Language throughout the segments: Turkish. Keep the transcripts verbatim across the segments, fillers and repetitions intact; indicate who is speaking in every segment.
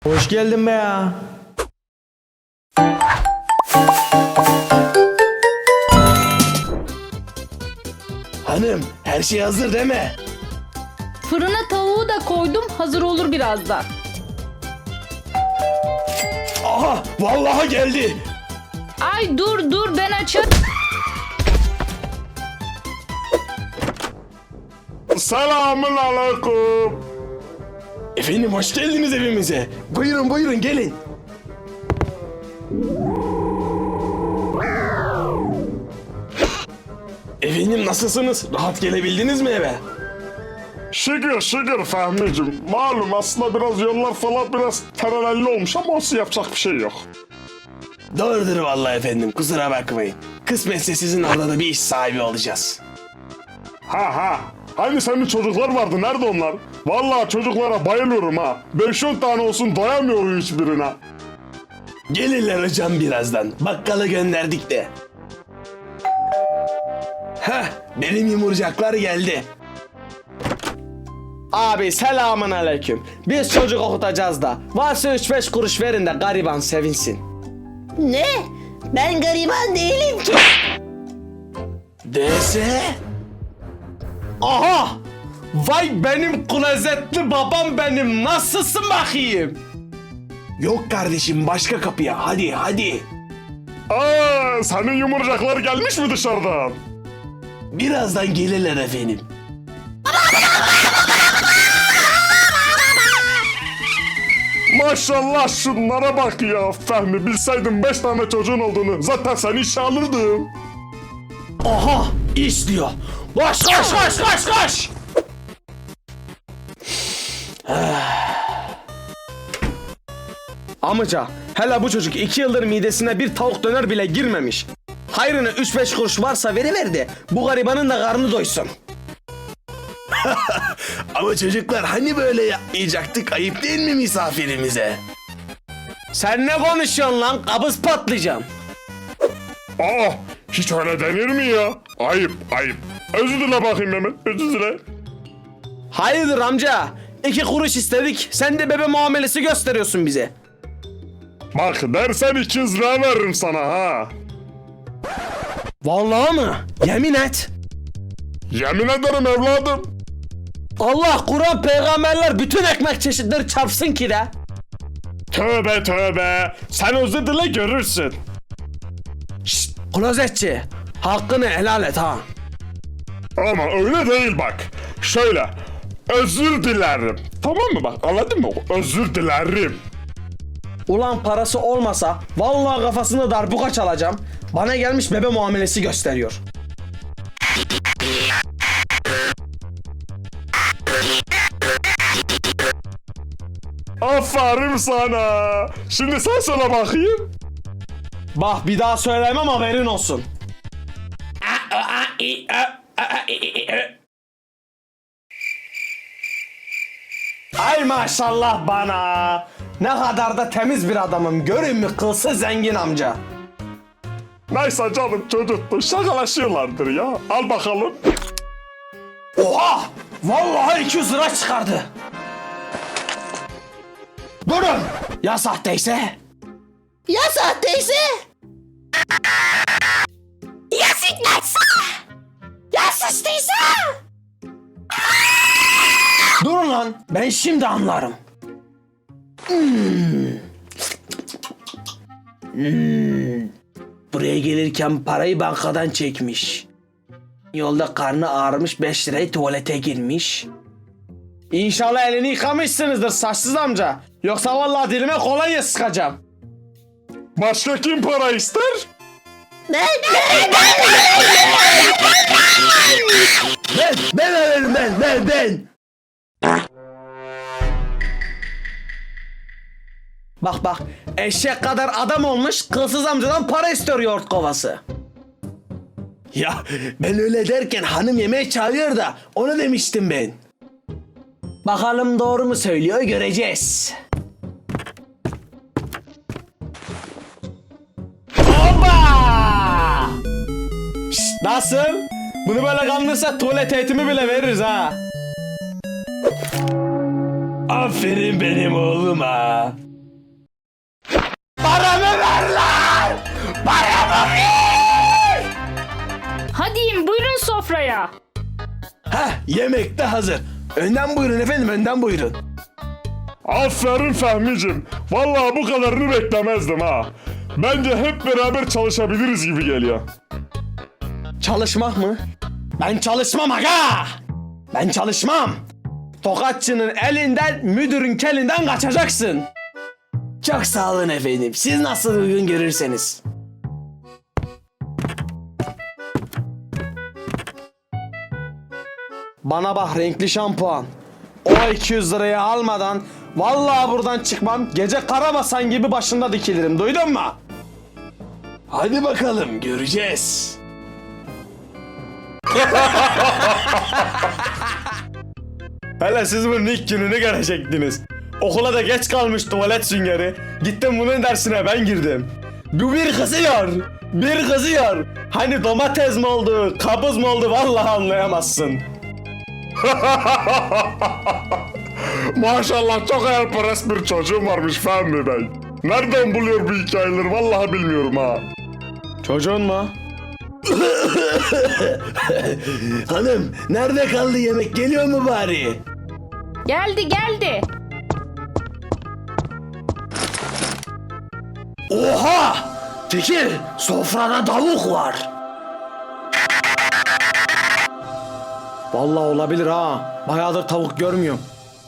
Speaker 1: Hoş geldin be ya.
Speaker 2: Hanım, her şey hazır değil mi?
Speaker 3: Fırına tavuğu da koydum, hazır olur birazdan.
Speaker 2: Aha, vallahi geldi.
Speaker 3: Ay dur dur ben açar.
Speaker 4: Selamun aleyküm.
Speaker 2: Efendim hoş geldiniz evimize. Buyurun buyurun gelin. Efendim nasılsınız? Rahat gelebildiniz mi eve?
Speaker 4: Şükür şükür Fehmi'cim. Malum aslında biraz yollar falan biraz terelelli olmuş ama olsun yapacak bir şey yok.
Speaker 2: Doğrudur vallahi efendim, kusura bakmayın. Kısmetse sizin orada da bir iş sahibi olacağız.
Speaker 4: Ha ha. Hani senin çocuklar vardı, nerede onlar? Vallahi çocuklara bayılıyorum ha. beş on tane olsun doyamıyor hiçbirine.
Speaker 2: Gelirler hocam birazdan. Bakkala gönderdik de. Heh, benim yumurcaklar geldi.
Speaker 1: Abi selamun aleyküm. Biz çocuk okutacağız da. Varsa üç beş kuruş verin de gariban sevinsin.
Speaker 5: Ne? Ben gariban değilim ki.
Speaker 2: Dese?
Speaker 1: Aha! Vay benim klozetli babam benim. Nasılsın bakayım?
Speaker 2: Yok kardeşim, başka kapıya. Hadi hadi.
Speaker 4: Aa, senin yumurcaklar gelmiş mi dışarıdan?
Speaker 2: Birazdan gelirler efendim.
Speaker 4: Maşallah şunlara bak ya Fehmi. Bilseydim beş tane çocuğun olduğunu zaten seni işe alırdım.
Speaker 2: Aha, iş diyor.
Speaker 1: Koş koş koş koş koş! Amca, hele bu çocuk iki yıldır midesine bir tavuk döner bile girmemiş. Hayrına üç beş kuruş varsa veriver de bu garibanın da karnı doysun.
Speaker 2: Ama çocuklar hani böyle yapmayacaktık, ayıp değil mi misafirimize?
Speaker 1: Sen ne konuşuyorsun lan? Kabız patlayacağım.
Speaker 4: Aa, hiç öyle denir mi ya? Ayıp ayıp. Özür dile bakayım hemen, özür dile.
Speaker 1: Hayırdır amca? İki kuruş istedik. Sen de bebe muamelesi gösteriyorsun bize.
Speaker 4: Bak dersen iki yüz lira veririm sana ha.
Speaker 1: Vallahi mı? Yemin et.
Speaker 4: Yemin ederim evladım.
Speaker 1: Allah, Kur'an, peygamberler bütün ekmek çeşitleri çarpsın ki de.
Speaker 4: Tövbe tövbe. Sen özür dile görürsün.
Speaker 1: Şşt, klozetçi. Hakkını helal et ha.
Speaker 4: Ama öyle değil bak. Şöyle. Özür dilerim. Tamam mı bak, anladın mı? Özür dilerim.
Speaker 1: Ulan parası olmasa vallahi kafasına darbuka çalacağım. Bana gelmiş bebe muamelesi gösteriyor.
Speaker 4: Aferin sana. Şimdi sen söyle bakayım.
Speaker 1: Bak bir daha söylemem, haberin olsun. Ay maşallah bana. Ne kadar da temiz bir adamım. Görün mü kılsı zengin amca.
Speaker 4: Neyse canım, çocuktu. Şakalaşıyorlardır ya. Al bakalım.
Speaker 1: Oha! Vallahi iki yüz lira çıkardı. Durun! Ya sahteyse?
Speaker 5: Ya sahteyse? Ya sikmezse? Ya sıçtıysa?
Speaker 1: Durun lan, ben şimdi anlarım. Hmm. Hmm. Buraya gelirken parayı bankadan çekmiş. Yolda karnı ağrımış, beş lirayı tuvalete girmiş. İnşallah elini yıkamışsınızdır saçsız amca. Yoksa vallahi dilime kolonya sıkacağım.
Speaker 4: Başka kim para ister?
Speaker 5: Ben, ben,
Speaker 2: Ben, ben veririm ben, ben, ben.
Speaker 1: Bak bak, eşek kadar adam olmuş, kılsız amcadan para istiyor yoğurt kovası.
Speaker 2: Ya ben öyle derken hanım yemeğe çağırıyor da onu demiştim ben.
Speaker 1: Bakalım doğru mu söylüyor, göreceğiz. Hoppa! Şşt, nasıl? Bunu böyle kandırsa tuvalet eğitimi bile veririz ha.
Speaker 2: Aferin benim oğluma.
Speaker 1: Paramı ver lan! Paramı ver!
Speaker 3: Hadi yiyin, buyurun sofraya.
Speaker 2: Heh, yemek de hazır. Önden buyurun efendim, önden buyurun.
Speaker 4: Aferin Fehmi'cim. Vallahi bu kadarını beklemezdim ha. Bence hep beraber çalışabiliriz gibi geliyor.
Speaker 1: Çalışmak mı? Ben çalışmam aga! Ben çalışmam! Tokatçının elinden, müdürün kelinden kaçacaksın.
Speaker 2: Çok sağ olun efendim. Siz nasıl uygun görürseniz.
Speaker 1: Bana bak renkli şampuan. O iki yüz lirayı almadan vallahi buradan çıkmam. Gece karabasan gibi başında dikilirim. Duydun mu?
Speaker 2: Hadi bakalım, göreceğiz.
Speaker 1: Hele siz bunun ilk gününü görecektiniz. Okula da geç kalmış tuvalet süngeri. Gittim bunun dersine ben girdim. Bu bir kızıyor. Bir kızıyor. Hani domates mi oldu, kabız mı oldu vallahi anlayamazsın.
Speaker 4: Maşallah çok hayalperest bir çocuğum varmış Fehmi Bey. Nereden buluyor bu hikayeleri vallahi bilmiyorum ha.
Speaker 1: Çocuğun mu?
Speaker 2: Hanım, nerede kaldı yemek? Geliyor mu bari?
Speaker 3: Geldi geldi.
Speaker 1: Oha! Fikir, sofrada tavuk var. Vallahi olabilir ha. Bayağıdır tavuk görmüyorum.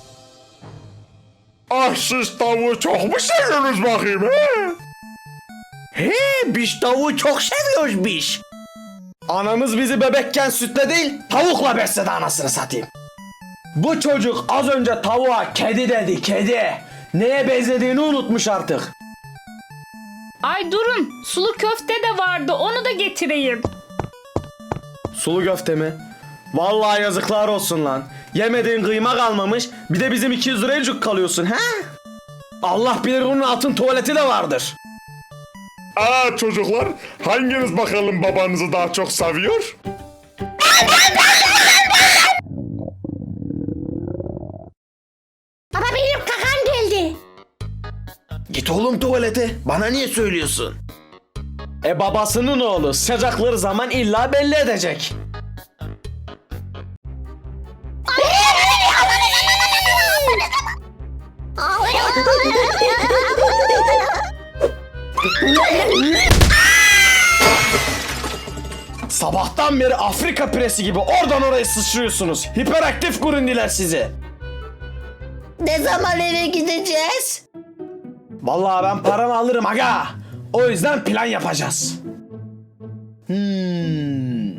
Speaker 4: Ah siz tavuğu çok mu seviyorsunuz bakayım he?
Speaker 1: He, biz tavuğu çok seviyoruz biz. Anamız bizi bebekken sütle değil, tavukla besledi anasını satayım. Bu çocuk az önce tavuğa kedi dedi, kedi. Neye benzediğini unutmuş artık.
Speaker 3: Ay durun, sulu köfte de vardı, onu da getireyim.
Speaker 1: Sulu köfte mi? Vallahi yazıklar olsun lan. Yemediğin kıyma kalmamış, bir de bizim iki yüz liraya cuk kalıyorsun he? Allah bilir bunun altın tuvaleti de vardır.
Speaker 4: Aa çocuklar, hanginiz bakalım babanızı daha çok seviyor?
Speaker 5: Baba benim kakam geldi.
Speaker 2: Git oğlum tuvalete. Bana niye söylüyorsun?
Speaker 1: E babasının oğlu sıcakları zaman illa belli edecek. Sabahtan beri Afrika piresi gibi oradan oraya sıçrıyorsunuz. Hiperaktif gurundiler sizi.
Speaker 5: Ne zaman eve gideceğiz?
Speaker 1: Vallahi ben paramı alırım aga. O yüzden plan yapacağız. Hmm.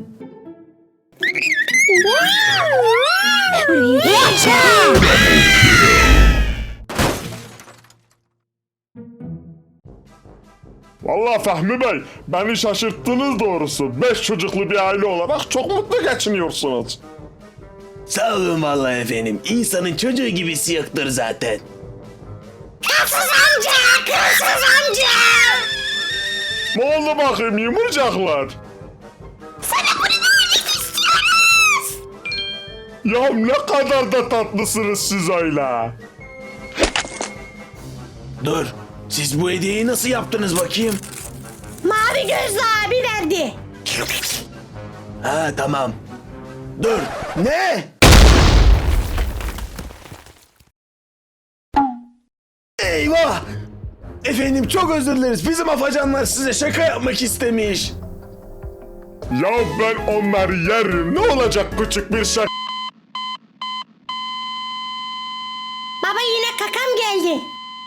Speaker 4: Vallahi Fehmi Bey, beni şaşırttınız doğrusu. Beş çocuklu bir aile olarak çok mutlu geçiniyorsunuz.
Speaker 2: Sağ olun vallahi efendim. İnsanın çocuğu gibisi yoktur zaten.
Speaker 5: Kırsız amca, kırsız amca.
Speaker 4: Ne oldu bakayım yumurcaklar? Ya ne kadar da tatlısınız siz öyle.
Speaker 2: Dur. Siz bu hediyeyi nasıl yaptınız bakayım?
Speaker 5: Mavi gözlü abi verdi.
Speaker 2: Ha tamam. Dur. Ne? Eyvah! Efendim çok özür dileriz. Bizim afacanlar size şaka yapmak istemiş.
Speaker 4: Ya ben onları yerim. Ne olacak küçük bir şey?
Speaker 5: Baba yine kakam geldi.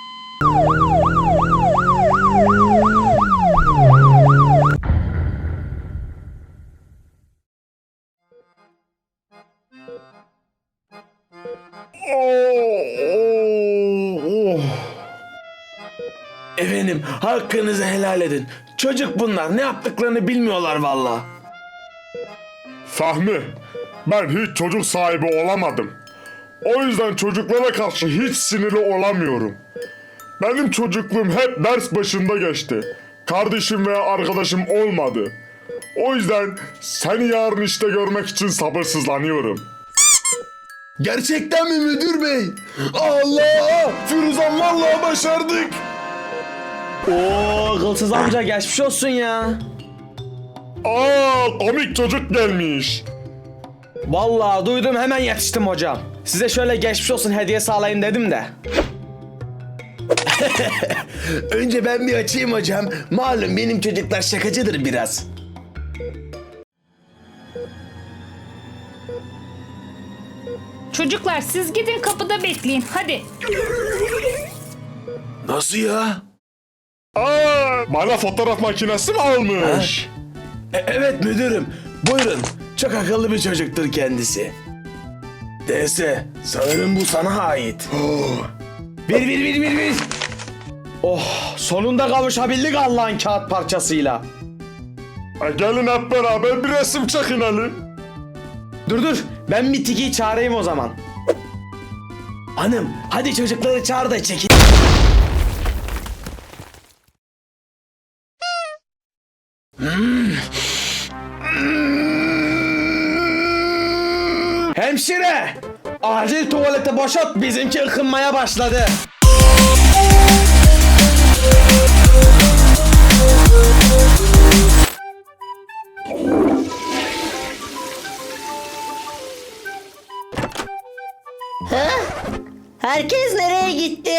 Speaker 4: Oh, oh.
Speaker 2: Efendim hakkınızı helal edin. Çocuk bunlar, ne yaptıklarını bilmiyorlar valla.
Speaker 4: Fahmi, ben hiç çocuk sahibi olamadım. O yüzden çocuklara karşı hiç sinirli olamıyorum. Benim çocukluğum hep ders başında geçti. Kardeşim veya arkadaşım olmadı. O yüzden seni yarın işte görmek için sabırsızlanıyorum.
Speaker 2: Gerçekten mi müdür bey? Allah! Firuzan vallahi başardık.
Speaker 1: Oo, kılsız amca geçmiş olsun ya.
Speaker 4: Aa, komik çocuk gelmiş.
Speaker 1: Vallahi duydum, hemen yetiştim hocam. Size şöyle geçmiş olsun hediyesi alayım dedim de.
Speaker 2: Önce ben bir açayım hocam. Malum benim çocuklar şakacıdır biraz.
Speaker 3: Çocuklar siz gidin kapıda bekleyin. Hadi.
Speaker 2: Nasıl ya?
Speaker 4: Aa, bana fotoğraf makinesi mi almış?
Speaker 2: E- evet müdürüm. Buyurun. Çok akıllı bir çocuktur kendisi. D S, sanırım bu sana ait.
Speaker 1: Bir bir bir bir bir. Oh, sonunda kavuşabildik Allah'ın kağıt parçasıyla.
Speaker 4: Ha, gelin hep beraber bir resim çekinelim.
Speaker 1: Dur dur, ben bir Tiki'yi çağırayım o zaman.
Speaker 2: Hanım, hadi çocukları çağır da çekin.
Speaker 1: Hemşire! Acil tuvalete boşalt, bizimki ıkınmaya başladı.
Speaker 5: Herkes nereye gitti?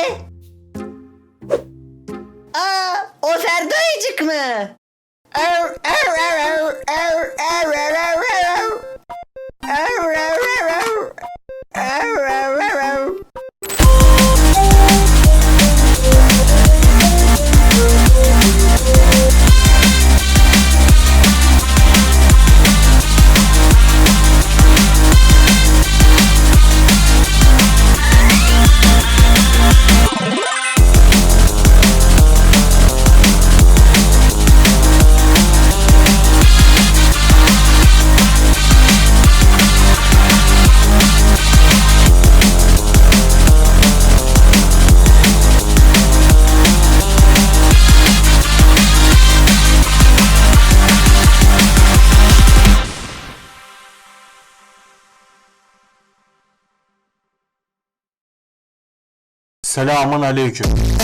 Speaker 5: Aa, o Ferdoyacık mı? Ar, ar, ar, ar, ar, ar, ar, ar, ar. Ar, ar, ar, ar. Ar, ar, ar, ar.
Speaker 6: Selamun aleyküm.